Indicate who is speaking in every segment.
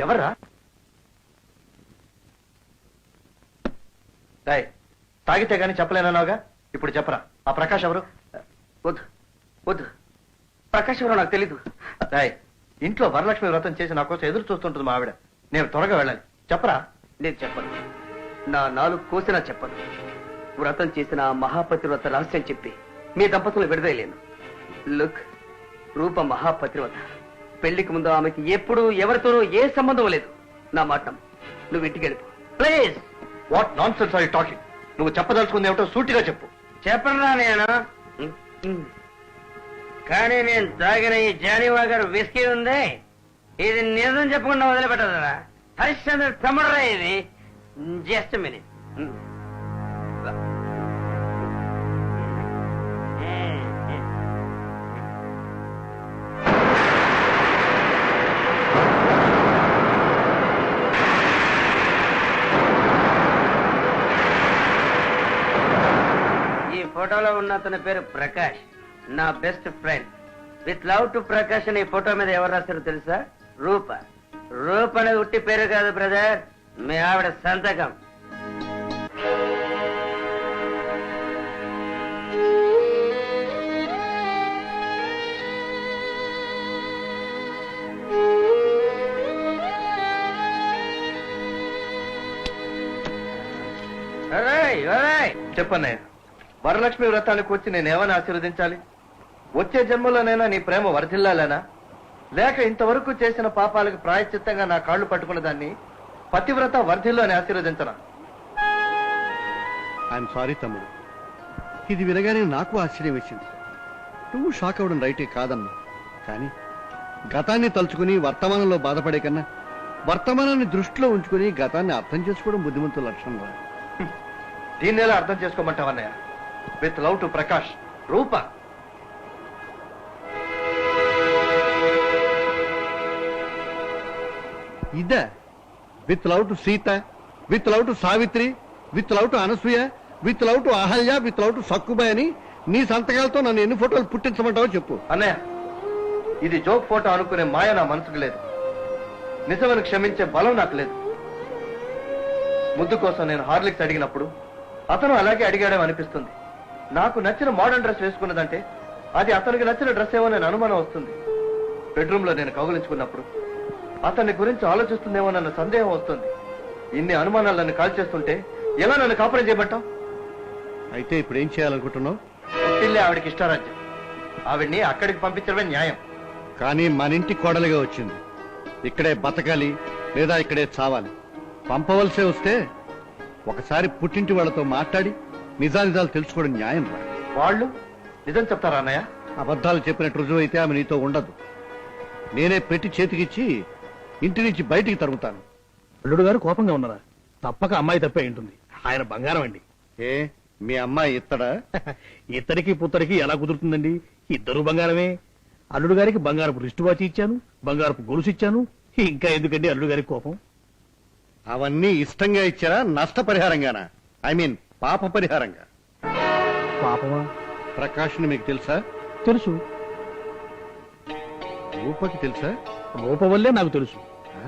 Speaker 1: ఎవర్రా? తాగితే గానీ చెప్పలేనన్నావుగా, ఇప్పుడు చెప్పరా ఆ ప్రకాష్ ఎవరు?
Speaker 2: వద్దు వద్దు, ప్రకాష్ ఎవరో నాకు తెలీదు.
Speaker 1: ఇంట్లో వరలక్ష్మి వ్రతం చేసి నా కోసం ఎదురు చూస్తుంటుంది మా ఆవిడ. నేను త్వరగా వెళ్ళాలి, చెప్పరా?
Speaker 2: నేను చెప్పను, నా నాలుగు కోసినా చెప్పను. వ్రతం చేసిన ఆ మహాపతివ్రత రహస్యం చెప్పి మీ దంపతులు విడుదలేను. లుక్, రూప మహాపతివ్రత. పెళ్లికి ముందు ఆమెకి ఎప్పుడు ఎవరితోనూ ఏ సంబంధం లేదు. నా మాట నమ్ము. నువ్వు ఇంటికి వెళ్ళిపో please.
Speaker 1: What nonsense are you talking? నువ్వు చెప్పదలుచుకుంది ఏమిటో సూటిగా చెప్పు.
Speaker 2: చెప్పరా నేను, కానీ నేను తాగిన ఈ జానీవా గారు విస్కీ ఉంది, ఇది నిజం చెప్పకుండా వదిలిపెట్టదురా. హరిశ్చంద్ర తమ్ముడరా ఇది. Just minute. ఈ ఫోటోలో ఉన్న అతని పేరు ప్రకాష్, నా best friend. With love to Prakash అని ఈ ఫోటో మీద ఎవరు రాశారో తెలుసా? రూప. రూప అనేది ఉట్టి పేరు కాదు బ్రదర్, మీ ఆవిడ సంతకం.
Speaker 1: చెప్పన్నయ్య, వరలక్ష్మి వ్రతానికి వచ్చి నేనేమని ఆశీర్వదించాలి? వచ్చే జన్మలోనైనా నీ ప్రేమ వర్ధిల్లాలేనా, లేక ఇంతవరకు చేసిన పాపాలకు ప్రాయశ్చిత్తంగా నా కాళ్లు పట్టుకున్న దాన్ని పతివ్రత వర్ధిల్లు అని ఆశీర్వదించనా?
Speaker 3: ఐఎమ్ సారీ తమ్ముడు, ఇది వినగానే నాకు ఆశ్చర్యం వేసింది. నువ్వు షాక్ అవ్వడం రైటే కాదమ్మా, కానీ గతాన్ని తలుచుకుని వర్తమానంలో బాధపడే కన్నా వర్తమానాన్ని దృష్టిలో ఉంచుకుని గతాన్ని అర్థం చేసుకోవడం బుద్ధిమంతుల లక్షణం రా.
Speaker 1: దీన్ని ఎలా అర్థం చేసుకోమంటావన్నయ్య? With love to Prakash, Roopa.
Speaker 3: ఇదే with love to Seetha, with love to Savitri, with love to Anasuya, with love to Ahalya, with love to Sakkubai అని నీ సంతకాలతో నన్ను ఎన్ని ఫోటోలు పుట్టించమంటావో చెప్పు.
Speaker 1: అన్నయ్య, ఇది జోక్ ఫోటో అనుకునే మాయ నా మనసుకు లేదు. నిజమని క్షమించే బలం నాకు లేదు. ముద్దు కోసం నేను హార్లిక్స్ అడిగినప్పుడు అతను అలాగే అడిగాడేమో అనిపిస్తుంది. నాకు నచ్చిన మోడర్న్ డ్రెస్ వేసుకున్నదంటే అది అతనికి నచ్చిన డ్రెస్ ఏమో నేను అనుమానం వస్తుంది. బెడ్రూమ్ లో నేను కౌగిలించుకున్నప్పుడు అతని గురించి ఆలోచిస్తుందేమో నన్ను సందేహం వస్తుంది. ఇన్ని అనుమానాలు నన్ను కాల్ చేస్తుంటే ఎలా నన్ను కాపురం చేయబట్టాం?
Speaker 3: అయితే ఇప్పుడు ఏం చేయాలనుకుంటున్నావు?
Speaker 1: పుట్టిల్లే ఆవిడకి ఇష్టారాజ్యం, ఆవిడ్ని అక్కడికి పంపించడమే న్యాయం.
Speaker 3: కానీ మన ఇంటి కోడలుగా వచ్చింది, ఇక్కడే బతకాలి లేదా ఇక్కడే చావాలి. పంపవలసే వస్తే ఒకసారి పుట్టింటి వాళ్ళతో మాట్లాడి నిజానిజాలు తెలుసుకోవడం న్యాయం రా.
Speaker 1: వాళ్ళు నిజం చెప్తారా అన్నయ్య?
Speaker 3: అబద్ధాలు చెప్పినట్టు రుజువు అయితే ఆమె నీతో ఉండదు. నేనే పెట్టి చేతికిచ్చి ఇంటి నుంచి బయటికి తరుగుతాను.
Speaker 4: అల్లుడు గారు కోపంగా ఉన్నారా? తప్పక అమ్మాయి తప్పే ఉంటుంది. ఆయన బంగారం అండి.
Speaker 3: ఏ మీ అమ్మాయి ఇత్తడా?
Speaker 4: ఇత్తడికి పుత్తడికి ఎలా కుదురుతుందండి? ఇద్దరు బంగారమే. అల్లుడు గారికి బంగారపు రిస్ట్ వాచ్ ఇచ్చాను, బంగారపు గొలుసు ఇచ్చాను. ఇంకా ఎందుకండి అల్లుడు గారికి కోపం?
Speaker 3: అవన్నీ ఇష్టంగా ఇచ్చారా, నష్టపరిహారంగానా? ఐ మీన్ పాప పరిహారంగా.
Speaker 4: పాపమా?
Speaker 3: ప్రకాష్ని మీకు తెలుసా?
Speaker 4: తెలుసు.
Speaker 3: రూపకి తెలుసా?
Speaker 4: రూప వల్లే నాకు తెలుసు.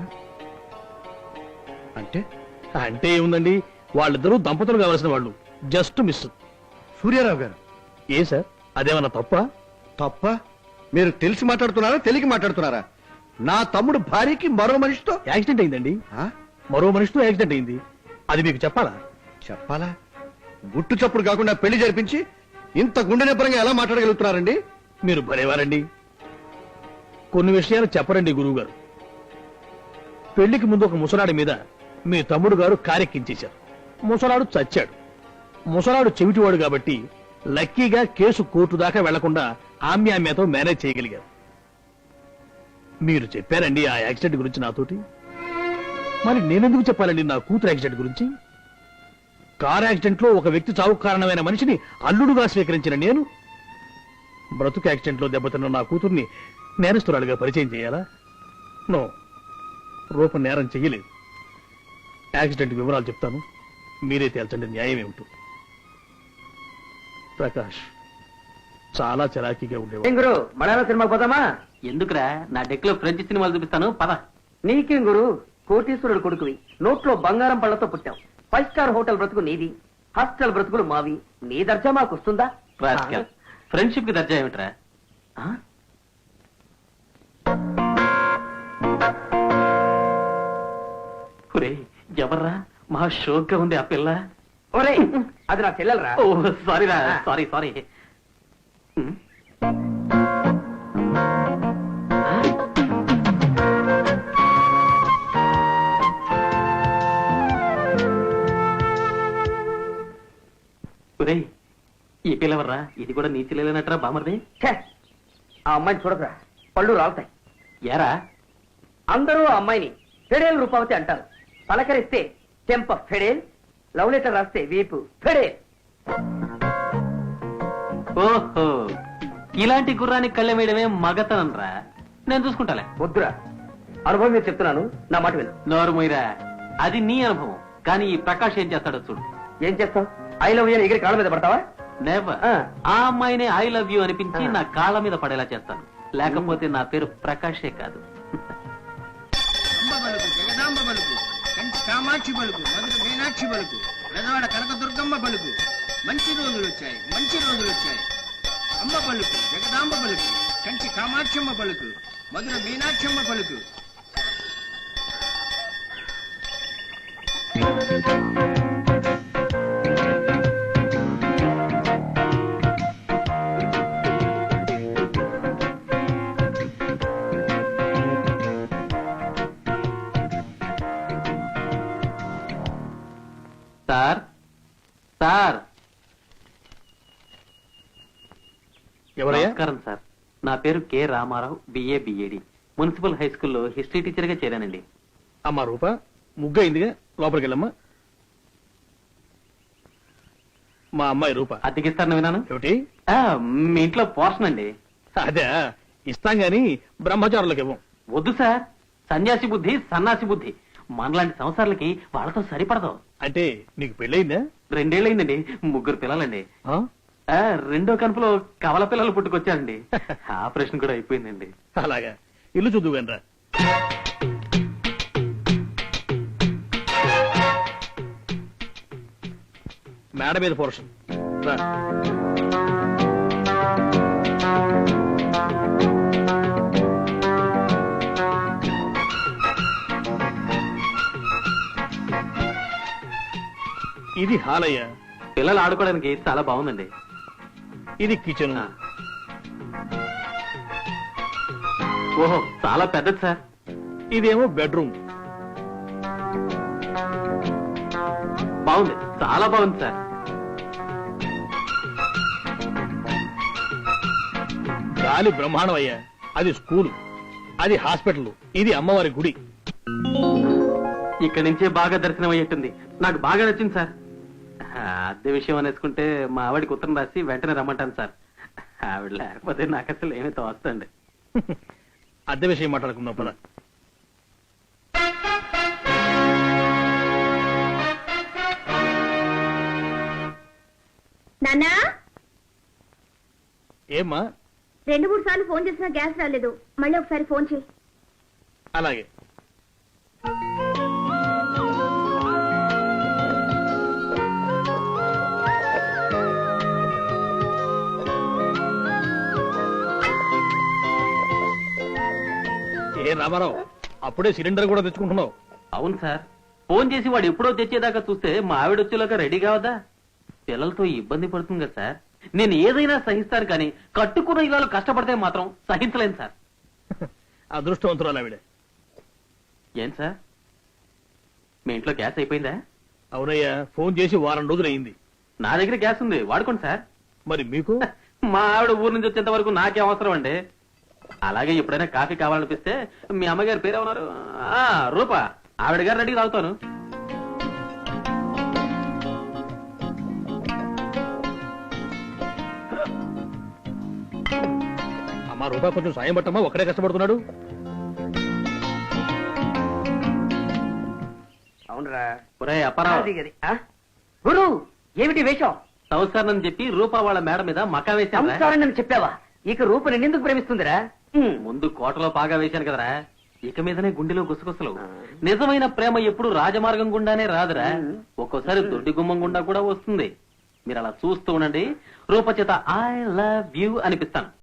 Speaker 3: అంటే
Speaker 4: అంటే ఏముందండి, వాళ్ళిద్దరూ దంపతులు కావలసిన వాళ్ళు. Just miss.
Speaker 3: సూర్యారావు గారు.
Speaker 4: ఏ సార్, అదేమన్నా తప్ప?
Speaker 3: తప్ప? మీరు తెలిసి మాట్లాడుతున్నారా, తెలియక మాట్లాడుతున్నారా? నా తమ్ముడు భార్యకి మరో మనిషితో
Speaker 4: యాక్సిడెంట్ అయిందండి. మరో మనిషితో యాక్సిడెంట్ అయింది. అది మీకు చెప్పాలా?
Speaker 3: చెప్పాలా? గుట్టు చప్పుడు కాకుండా పెళ్లి జరిపించి ఇంత గుండె నిబ్బరంగా ఎలా మాట్లాడగలుగుతున్నారండి?
Speaker 4: మీరు భలేవారండి. కొన్ని విషయాలు చెప్పరండి గురువు గారు. పెళ్లికి ముందు ఒక ముసలాడి మీద మీ తమ్ముడు గారు కారెక్కించేశారు. ముసలాడు చచ్చాడు. ముసలాడు చెవిటివాడు కాబట్టి లక్కీగా కేసు కోర్టు దాకా వెళ్లకుండా ఆమ్యామ్యతో మేనేజ్ చేయగలిగారు. మీరు చెప్పారండి ఆ యాక్సిడెంట్ గురించి నాతోటి. మరి నేనెందుకు చెప్పాలండి నా కూతురు యాక్సిడెంట్ గురించి? కార్ యాక్సిడెంట్ లో ఒక వ్యక్తి చావుకు కారణమైన మనిషిని అల్లుడుగా స్వీకరించిన నేను బ్రతుకు యాక్సిడెంట్ లో దెబ్బతిన్న నా కూతుర్ని నేరస్తురాలుగా పరిచయం చేయాలా? నో, రూపం నేరం చెయ్యలేదు. యాక్సిడెంట్ వివరాలు చెప్తాను, మీరే తేల్చండి న్యాయం ఏమిటో. ప్రకాష్ చాలా చలాకీగా ఉండేవాడు.
Speaker 2: గురు మలయాళ సినిమా పోదామా? ఎందుకురా, నా డెక్ లో ఫ్రెంచ్ సినిమాలు చూపిస్తాను పద. నీకేం గురు, కోటీశ్వరుడు కొడుకువి, నోట్లో బంగారం పళ్ళతో పుట్టావు. 5 స్టార్ హోటల్ బ్రతుకు నీది, హాస్టల్ బ్రతుకులు మావి. నీ దర్జా మాకు వస్తుందా?
Speaker 5: ఫ్రెండ్షిప్ కి దర్జా ఏమిట్రా? ఎవర్రా మహా షోక్ గా ఉంది ఆ పిల్ల.
Speaker 2: ఒరే, అది నా చెల్లెలరా.
Speaker 5: ఓ సారీరా, సారీ సారీ. ఒరేయ్, ఈ పిల్లవర్రా? ఇది కూడా నీ చెల్లెలేనట్రా బామర్ది?
Speaker 2: ఛే, ఆ అమ్మాయిని చూడదురా, పళ్ళు రాలుతాయి.
Speaker 5: ఏరా?
Speaker 2: అందరూ ఆ అమ్మాయిని ఫెడేల్ రూపావతి అంటారు. పలకరిస్తే చెంప ఫెడేల్, లవ్ లెటర్ రాస్తే వీపు ఫెడేల్.
Speaker 5: ఓహో, ఇలాంటి గుర్రానికి కళ్ళెం వేయడమే మగతనంరా. నేను చూసుకుంటాలే.
Speaker 2: వద్దురా, అనుభవం మీద చెప్తున్నాను, నా మాట విను.
Speaker 5: నోరు మొయ్యరా, అది నీ అనుభవం. కానీ ఈ ప్రకాష్ ఏం చేస్తాడో చూడు.
Speaker 2: ఏం చేస్తావు? ఐ లవ్ యూ ఎగిరి కాళ్ళ మీద పడతావా?
Speaker 5: నెవర్. ఆ అమ్మాయినే ఐ లవ్ యూ అనిపించి నా కాళ్ళ మీద పడేలా చేస్తాను. లేకపోతే నా పేరు ప్రకాషే కాదు.
Speaker 6: జగదాంబ బలుకు, కంచి కామాక్షి బలుకు, మధుర మీనాక్షి బలుకు, పెదవాడ కనకదుర్గమ్మ బలుకు. మంచి రోజులు వచ్చాయి, మంచి రోజులు వచ్చాయి. అమ్మ పలుకు, జగదాంబ పలుకు, కంచి కామాక్షమ్మ పలుకు, మధుర మీనాక్షమ్మ పలుకు.
Speaker 5: Sir, sir.
Speaker 4: ఎవరయ్యా?
Speaker 5: నమస్కారం సార్. నా పేరు K Ramarao, BA BEd. Municipal high స్కూల్లో హిస్టరీ టీచర్ గా చేరానండి.
Speaker 4: అమ్మా రూప, ముగ్గయిందిగా, లోపలికి వెళ్ళమ్మా. మా అమ్మాయి రూప.
Speaker 5: అద్దెకిస్తారని విన్నాను.
Speaker 4: ఏమిటి?
Speaker 5: మీ ఇంట్లో పోర్షన్ అండి.
Speaker 4: అదే ఇస్తాం గాని బ్రహ్మచారులకు ఇవ్వం.
Speaker 5: వద్దు సార్, సన్యాసి బుద్ధి సన్నాసి బుద్ధి. మనలాంటి సంవత్సరాలకి వాళ్ళతో సరిపడదు.
Speaker 4: అంటే నీకు పెళ్ళయిందా?
Speaker 5: 2 ఏళ్ళయిందండి, 3 పిల్లలండి.
Speaker 4: ఆ?
Speaker 5: రెండో కనుపులో కవల పిల్లలు పుట్టుకొచ్చారండి. ఆపరేషన్ కూడా అయిపోయిందండి.
Speaker 4: అలాగా, ఇల్లు చూద్దు వెనరా. మేడ మీద పోర్షన్ రా. ఇది హాలయ్య.
Speaker 5: పిల్లలు ఆడుకోవడానికి చాలా బాగుందండి.
Speaker 4: ఇది కిచెన్.
Speaker 5: ఓహో, చాలా పెద్దది సార్.
Speaker 4: ఇదేమో బెడ్రూమ్.
Speaker 5: బాగుంది, చాలా బాగుంది సార్.
Speaker 4: గాలి బ్రహ్మాండం అయ్యా. అది స్కూలు, అది హాస్పిటల్, ఇది అమ్మవారి గుడి.
Speaker 5: ఇక్కడి నుంచే బాగా దర్శనం అయ్యేట్టుంది. నాకు బాగా నచ్చింది సార్. అద్దె విషయం అనేసుకుంటే మా ఆవిడికి ఉత్తరం రాసి వెంటనే రమ్మంటాను సార్. ఆవిడ లేకపోతే నాకు అసలు ఏమీ తోస్తండి.
Speaker 4: అద్దె విషయం మాట్లాడుకుందాం పద.
Speaker 7: నాన్నా,
Speaker 4: ఏమ్మా?
Speaker 7: 2-3 సార్లు ఫోన్ చేసినా గ్యాస్ రాలేదు. మళ్ళీ ఒకసారి ఫోన్ చేయి.
Speaker 4: అలాగే. ఏ రామారావు, అప్పుడే సిలిండర్ కూడా తెచ్చుకుంటున్నావు?
Speaker 5: అవును సార్, ఫోన్ చేసి వాడు ఎప్పుడో తెచ్చేదాకా చూస్తే మా ఆవిడ వచ్చేలాగా రెడీ కావదా? పిల్లలతో ఇబ్బంది పడుతుంది కదా సార్. నేను ఏదైనా సహిస్తాను, కానీ కట్టుకున్న ఇళ్ళలో కష్టపడితే మాత్రం సహించలేను సార్.
Speaker 4: అదృష్టవంతురాలు ఆవిడ.
Speaker 5: ఏం సార్, మీ ఇంట్లో గ్యాస్ అయిపోయిందా?
Speaker 4: అవునయ్యా, ఫోన్ చేసి వారం రోజులు అయింది.
Speaker 5: నా దగ్గర గ్యాస్ ఉంది, వాడుకోండి సార్.
Speaker 4: మరి మీకు?
Speaker 5: మా ఆవిడ ఊరు నుంచి వచ్చేంత వరకు నాకే అవసరం అండి. అలాగే ఎప్పుడైనా కాఫీ కావాలనిపిస్తే మీ అమ్మగారి పేరేమన్నారు? రూప, ఆవిడ గారు రెడీ తాగుతాను.
Speaker 4: అమ్మా రూపా, కొంచెం సాయం పట్టమ్మా, ఒక్కడే కష్టపడుతున్నాడు.
Speaker 2: అవునరా.
Speaker 5: ఒరేయ్ అప్పారావు,
Speaker 2: అది గది. ఆ? గురు, ఏమిటి వేషం?
Speaker 5: సంస్కారం అని చెప్పి రూపా వాళ్ళ మేడ మీద మకా వేశాను.
Speaker 2: సంస్కారం అని చెప్పావా? ఇక రూప నిన్నెందుకు ప్రేమిస్తుందిరా?
Speaker 5: ముందు కోటలో బాగా వేశాను కదరా, ఇక మీదనే గుండెలో గుసగుసలు. నిజమైన ప్రేమ ఎప్పుడు రాజమార్గం గుండానే రాదురా, ఒక్కోసారి దొడ్డి గుమ్మం గుండా కూడా వస్తుంది. మీరు అలా చూస్తూ ఉండండి, రూపచేత ఐ లవ్ యూ అనిపిస్తాను.